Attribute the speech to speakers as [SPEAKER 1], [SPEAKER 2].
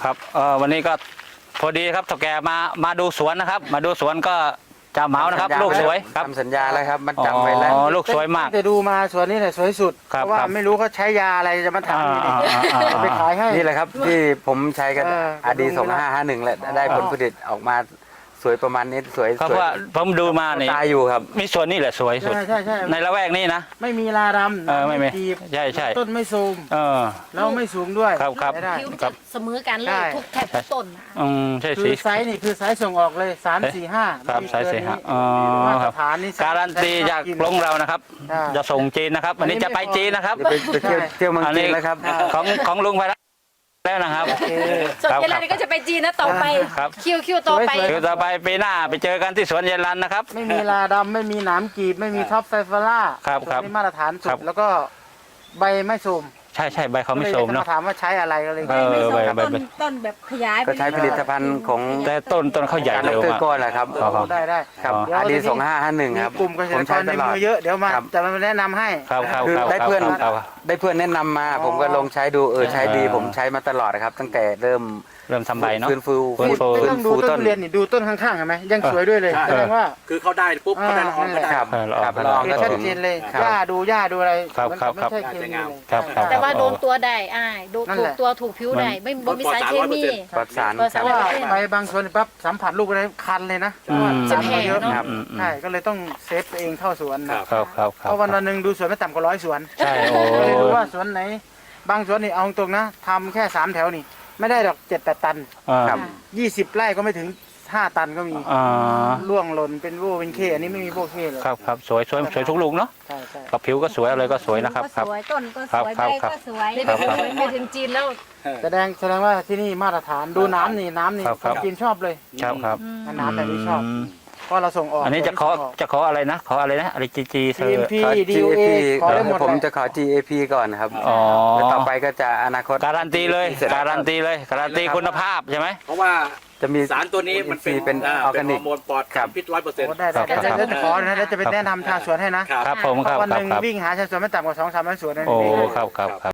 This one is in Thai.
[SPEAKER 1] ครับวันนี้ก็พอดีครับเฒ่าแก่มาดูสวนนะครับมาดูสวนก็จะเหมานะครับลูกสวยครับ
[SPEAKER 2] ทำสัญญาแล้วครับมันจำไว้แล้ว
[SPEAKER 1] ลูกสวยมาก
[SPEAKER 3] จะดูมาสวนนี้แหละสวยสุด
[SPEAKER 1] ครับ
[SPEAKER 3] เพราะว่าไม่รู้เขาใช้ยาอะไรจะมาถามอยู่นี่ไปขายให้
[SPEAKER 2] นี่แหละครับที่ผมใช้กัน RD 2551แหละได้ผลผลิตออกมาสวยประมาณนี้สวย
[SPEAKER 1] เพราะว่าผมดูมานี่
[SPEAKER 2] ตายอยู่ครับ
[SPEAKER 1] มีสวนนี่แหละสวยสุด
[SPEAKER 3] ใช่
[SPEAKER 1] ในละแวกนี้นะ
[SPEAKER 3] ไม่มีลาดำ
[SPEAKER 1] ไม่มี
[SPEAKER 3] จีบ
[SPEAKER 1] ใช่
[SPEAKER 3] ต้นไม่ซูม แล้วไม่สูงด้วย
[SPEAKER 1] ครับ
[SPEAKER 3] ใช้ได้
[SPEAKER 4] ผิวจะเสมอกันเล
[SPEAKER 3] ใช่
[SPEAKER 4] ยทุกแทบทุกต้นนะ
[SPEAKER 1] ใช่
[SPEAKER 3] คื
[SPEAKER 1] สี
[SPEAKER 3] อไซส์นี่คือไซส์ส่งออกเลย3 4 5
[SPEAKER 1] ครับไซส์4 5
[SPEAKER 3] มาต
[SPEAKER 1] ค
[SPEAKER 3] ร
[SPEAKER 1] รับ
[SPEAKER 3] ฐานนี่
[SPEAKER 1] การันตีจากลงเรานะครับ
[SPEAKER 3] ใช่
[SPEAKER 1] จะส่งจีนนะครับวันนี้จะไปจีนนะครับ
[SPEAKER 2] ไปเที่ยวเมืองจีนแล้วครับ
[SPEAKER 1] ของลุงไปแล้วนะครับ
[SPEAKER 4] ส่วนเยลันก็จะไปจีนนะต่อไป
[SPEAKER 1] ครับ
[SPEAKER 4] คิวต่อไป
[SPEAKER 1] คือต่อไปปีหน้าไปเจอกันที่สวนเยลันนะครับ
[SPEAKER 3] ไม่มีลาดำไม่มีหนามกีบไม่มีท็อปไซฟาร่า
[SPEAKER 1] ครับ
[SPEAKER 3] นี่มาตรฐานสุ
[SPEAKER 1] ครั
[SPEAKER 3] ด
[SPEAKER 1] บ
[SPEAKER 3] แล้วก็ใบไม่ซูม
[SPEAKER 1] ใช่ใบเขาไม่โสม
[SPEAKER 3] ก็ลย
[SPEAKER 1] เนาะ
[SPEAKER 3] จะถามว่าใช้อะไรก็เลย
[SPEAKER 4] ไม่ส่ง
[SPEAKER 1] ใบ
[SPEAKER 4] ต้นแบบขยาย
[SPEAKER 2] ก็ใช้ผลิตภัณฑ์ของ
[SPEAKER 1] แต่ต้นเขาใหญ่
[SPEAKER 2] การ
[SPEAKER 1] เร็ว
[SPEAKER 2] ดร
[SPEAKER 1] มาก
[SPEAKER 2] ก้อนแหละครับ
[SPEAKER 1] ครับ
[SPEAKER 3] ได้
[SPEAKER 2] ครับ
[SPEAKER 3] เดี๋ยว
[SPEAKER 2] RD
[SPEAKER 3] ทีนี้
[SPEAKER 2] 2551ครับ
[SPEAKER 3] มีกลุ่มเกษ
[SPEAKER 2] ผ
[SPEAKER 3] ต
[SPEAKER 2] ม
[SPEAKER 3] รก
[SPEAKER 2] ใช้
[SPEAKER 3] รใน
[SPEAKER 2] ตลอด
[SPEAKER 3] มือเยอะเดี๋ยวมา
[SPEAKER 2] ครับ
[SPEAKER 3] จะมาแนะนำให้
[SPEAKER 1] ครับ
[SPEAKER 2] คือได้เพื่อน
[SPEAKER 1] ครับ
[SPEAKER 2] ได้เพื่อนแนะนำมาผมก็ลองใช้ดูใช้ดีผมใช้มาตลอดนะครับ ตั้งแต่เริ่ม
[SPEAKER 1] เริ่มทำใบเนาะ
[SPEAKER 2] ฟื้นฟู
[SPEAKER 1] ฟื้นฟู
[SPEAKER 3] ไม่ต้องดูต้นทุเรียนนี่ดูต้นข้างๆเห็นไหมยังสวยด้วยเลยแสดงว่า
[SPEAKER 5] คือเขาได้ปุ๊บเขาได้ละอองก็ได้
[SPEAKER 2] ครับ
[SPEAKER 1] ครับ
[SPEAKER 2] ลอง
[SPEAKER 3] เห็น
[SPEAKER 2] ก็
[SPEAKER 3] ชัด
[SPEAKER 2] ถึง
[SPEAKER 3] เจนเลย
[SPEAKER 2] ครับ
[SPEAKER 3] หญ้าดูอะไร
[SPEAKER 1] ครับ
[SPEAKER 3] มัน
[SPEAKER 1] ครับ
[SPEAKER 3] ไม่ใช่เคมีเลย
[SPEAKER 1] ครับ
[SPEAKER 4] แต่ว่าโดนตัวได้โดน
[SPEAKER 3] นั่น
[SPEAKER 4] ถู
[SPEAKER 3] แห
[SPEAKER 4] ก
[SPEAKER 3] ละ
[SPEAKER 4] ตัวถูกผิวได้ไม่บ่มีสารเคมี
[SPEAKER 2] ปลอดสาร
[SPEAKER 4] ปลอด
[SPEAKER 2] ค
[SPEAKER 4] สา
[SPEAKER 2] รั
[SPEAKER 4] ร
[SPEAKER 2] บ
[SPEAKER 3] ว่าไปบางส่วนปั๊บสัมผัสลูกอะไรคันเลยนะ
[SPEAKER 1] อืม
[SPEAKER 3] สารมันเยอะ
[SPEAKER 4] จะแพงเนอะ
[SPEAKER 2] ครับ
[SPEAKER 3] ใช่ก็เลยต้องเซฟตัวเองเข้าสวนนะครับ
[SPEAKER 1] ครับ
[SPEAKER 3] เพราะวันหนึ่งดูสวนไม่ต่ำกว่า100 สวน
[SPEAKER 1] ใช่โอ้
[SPEAKER 3] ก็เลยดูว่าสวนไหน บางสวนนี่เอาตรงนะทำแค่3 แถวนี่ไม่ได้ดอก7-8 ตัน
[SPEAKER 2] ครับ
[SPEAKER 3] 20 ไร่ก็ไม่ถึง5 ตันก็มี ร่วงหล่นเป็นโว้เป็นเคอันนี้ไม่มีโว้เคเลย
[SPEAKER 1] ครับสวยทุกลูกเนาะ
[SPEAKER 3] ใช่
[SPEAKER 1] กับผิวก็สวยอะไรก็สวยนะครับ
[SPEAKER 4] ก็สวยต้นก็สวย
[SPEAKER 1] ครับ
[SPEAKER 4] ใบ
[SPEAKER 1] ครับ
[SPEAKER 4] ก็สวย
[SPEAKER 1] ครับ
[SPEAKER 4] ไปถึงจีนแล้ว
[SPEAKER 3] แสดงว่าที่นี่มาตรฐานดูน้ำนี่
[SPEAKER 1] ครับ
[SPEAKER 3] คนจีนชอบเลย
[SPEAKER 1] ครับ
[SPEAKER 3] น้ำแบบนี้ชอบเพราะเราส่งออก
[SPEAKER 1] อันนี้จะขออะไรนะขออะไรนะอะไรจีเซอร์
[SPEAKER 3] GMP
[SPEAKER 2] ขอ
[SPEAKER 3] DOA
[SPEAKER 2] GAP
[SPEAKER 3] ขอได้หมด
[SPEAKER 2] ผม
[SPEAKER 3] เลย
[SPEAKER 2] จะขอ GAP ก่อนครับ
[SPEAKER 1] อ๋อ
[SPEAKER 2] แล้วต่อไปก็จะอนาคต
[SPEAKER 1] การันตีเลยการันตีคุณภาพใช่ไหม
[SPEAKER 5] เพราะว่า
[SPEAKER 2] จะมี
[SPEAKER 5] สารตัวนี้มันเป็น
[SPEAKER 2] ออร์แกนิก
[SPEAKER 5] ฮอร์โมนปลอดสารพิษ100%
[SPEAKER 3] โอ้ได้แล้วจะขอนะแล้วจะไปแนะนำชาวสวนให้นะ
[SPEAKER 1] ครับผม
[SPEAKER 3] เพ
[SPEAKER 1] ครับ
[SPEAKER 3] ราะวันหนึ่ง
[SPEAKER 1] ครับ
[SPEAKER 3] วิ่งหาชาวสวนไม่ต่ำกว่า2-300 สวนนะ
[SPEAKER 1] โอ้ครับ